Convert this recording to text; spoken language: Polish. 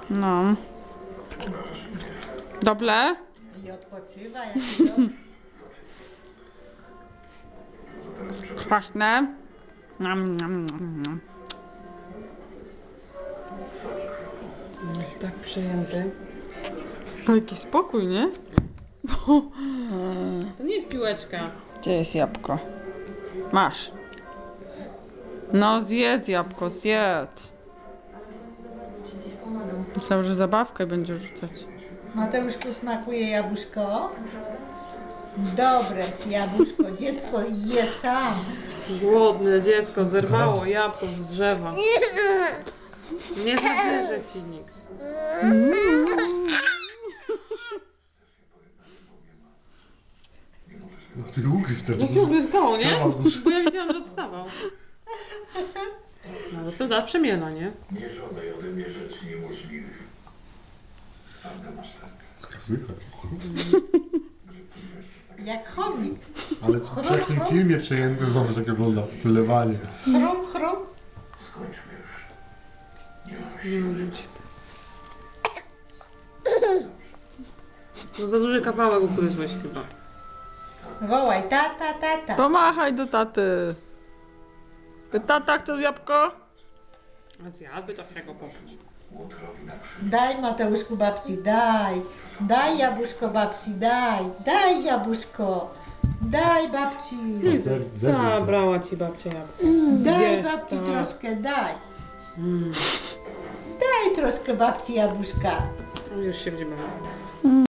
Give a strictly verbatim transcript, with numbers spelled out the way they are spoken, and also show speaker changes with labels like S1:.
S1: No. Dobre?
S2: I odpoczywa, jak to.
S1: Kwaśne? Nam, nam, nam, nam.
S3: Jest tak przejęty.
S1: O, jaki spokój, nie?
S3: To nie jest piłeczka.
S1: Gdzie jest jabłko? Masz. No zjedz jabłko, zjedz. Myślałem, że zabawkę będzie rzucać.
S2: Mateuszku, smakuje jabłuszko? Dobre jabłuszko, dziecko je sam.
S3: Głodne dziecko zerwało jabłko z drzewa. Nie zabierze ci nikt.
S4: Ty ugryz teraz.
S3: No to ugryzgało, nie?
S4: Wstawał dusz.
S3: Bo ja widziałam, że odstawał. No to da przemiela, nie?
S5: Nie żądaj ode mnie rzeczy niemożliwych. Twarde masz serce.
S4: Słychać.
S2: Jak chomik.
S4: Ale w wczesnym filmie przejęty, zobacz jak wygląda wylewanie.
S2: Chrum, chrum.
S5: Skończmy już.
S3: Nie mówić. No za duży kawałek ugryzłeś chyba.
S2: Wołaj, tata, tata.
S1: Pomachaj do taty. Tata, chcesz jabłko?
S3: A zjadłby takiego popatrz.
S5: Łotrowi na krzyż.
S2: Daj Mateuszku babci, daj. Daj jabłuszko babci, daj. Daj jabłuszko. Daj babci.
S4: Zer- zerwij sobie.
S3: Zabrała ci babcia jabłko.
S2: Daj
S3: Wiesz,
S2: babci
S3: tak.
S2: troszkę, daj.
S3: Mm.
S2: Daj troszkę babci jabłuszka.
S3: No już się będzie bawiła.